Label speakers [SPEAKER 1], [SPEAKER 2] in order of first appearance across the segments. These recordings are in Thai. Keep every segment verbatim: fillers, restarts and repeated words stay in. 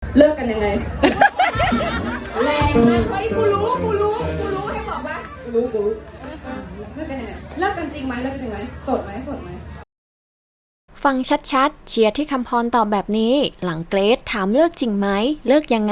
[SPEAKER 1] เลิกกันยังไง
[SPEAKER 2] แรงมากเฮ้ยกูรู้กูรู้กูรู้ให้บอกว่า
[SPEAKER 1] กูรู้กูรู้เลิกกันยังไงเลิกกันจริงไหมเลิกกันจริงไหมโสดไหมโสดไหม
[SPEAKER 3] ฟังชัดๆเชียร์ที่คำพรตอบแบบนี้หลังเกรซถามเลิกจริงไหมเลิกยังไง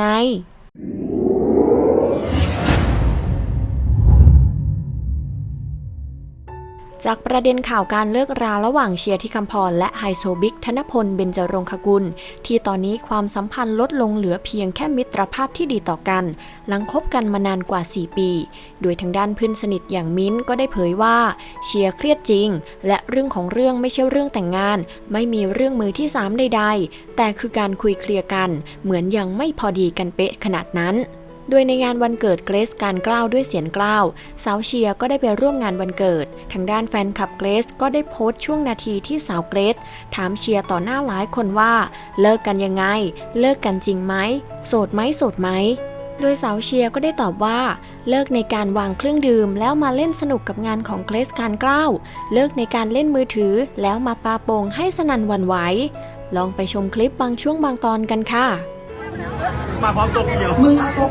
[SPEAKER 3] จากประเด็นข่าวการเลิกราระหว่างเชียร์ที่คำพรและไฮโซบิ๊กธนพลเบญจรงคกุลที่ตอนนี้ความสัมพันธ์ลดลงเหลือเพียงแค่มิตรภาพที่ดีต่อกันหลังคบกันมานานกว่าสี่ปีโดยทางด้านเพื่อนสนิทอย่างมิ้นท์ก็ได้เผยว่าเชียร์เครียดจริงและเรื่องของเรื่องไม่ใช่เรื่องแต่งงานไม่มีเรื่องมือที่สามใดๆแต่คือการคุยเคลียร์กันเหมือนยังไม่พอดีกันเป๊ะขนาดนั้นโดยในงานวันเกิดเกรซการกล้าวด้วยเสียงกล้าวสาวเชียร์ก็ได้ไปร่วมงานวันเกิดทางด้านแฟนคลับเกรซก็ได้โพสต์ช่วงนาทีที่สาวเกรซถามเชียร์ต่อหน้าหลายคนว่าเลิกกันยังไงเลิกกันจริงไหมโสดไหมโสดไหมโดยสาวเชียร์ก็ได้ตอบว่าเลิกในการวางเครื่องดื่มแล้วมาเล่นสนุกกับงานของเกรซการกล้าวเลิกในการเล่นมือถือแล้วมาปาโป่งให้สนั่นหวั่นไหวลองไปชมคลิปบางช่วงบางตอนกันค่ะ
[SPEAKER 4] มาพร้อมตัวเดียว
[SPEAKER 1] มึงเอาตก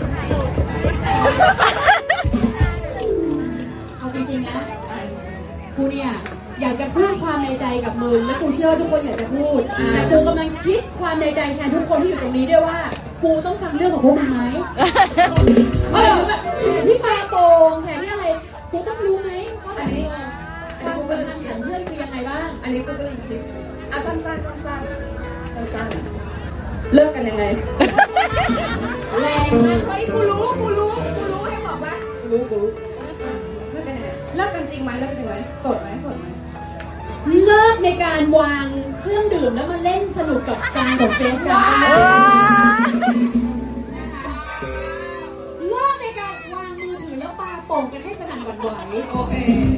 [SPEAKER 2] เอาจริงๆนะกูเนี่ยอยากจะพูดความในใจกับมึงและกูเชื่อว่าทุกคนอยากจะพูดแต่กูกำลังคิดความในใจแทนทุกคนที่อยู่ตรงนี้ด้วยว่ากูต้องฟังเรื่องของพวกมึงไหมเออแบบที่ปลาโป่งแค่นี้อะไรกูต้องรู้ไหมว่าแบบนี้ความกำลังของเพื่อนคือยังไงบ้าง
[SPEAKER 1] อันนี้กูก็เลยคิดอ่ะสั้นๆสั้นๆสั้นๆเลิกกันยังไง
[SPEAKER 2] แรงมากเฮ้ยกูรู้กูรู้กูรู้ให้บอกว่า
[SPEAKER 1] กูรู้กูรู้เลิกกันยังไงเลิกกันจริงไหมเลิกกันจริงไหมโสดไหมโสดไหม
[SPEAKER 2] เลิกในการวางเครื่องดื่มแล้วมาเล่นสนุกกับจานของเจสกันเลิกในการวางมือถือแล้วปาโป่งกันให้สนั่นหวั่นไหว
[SPEAKER 1] โอเค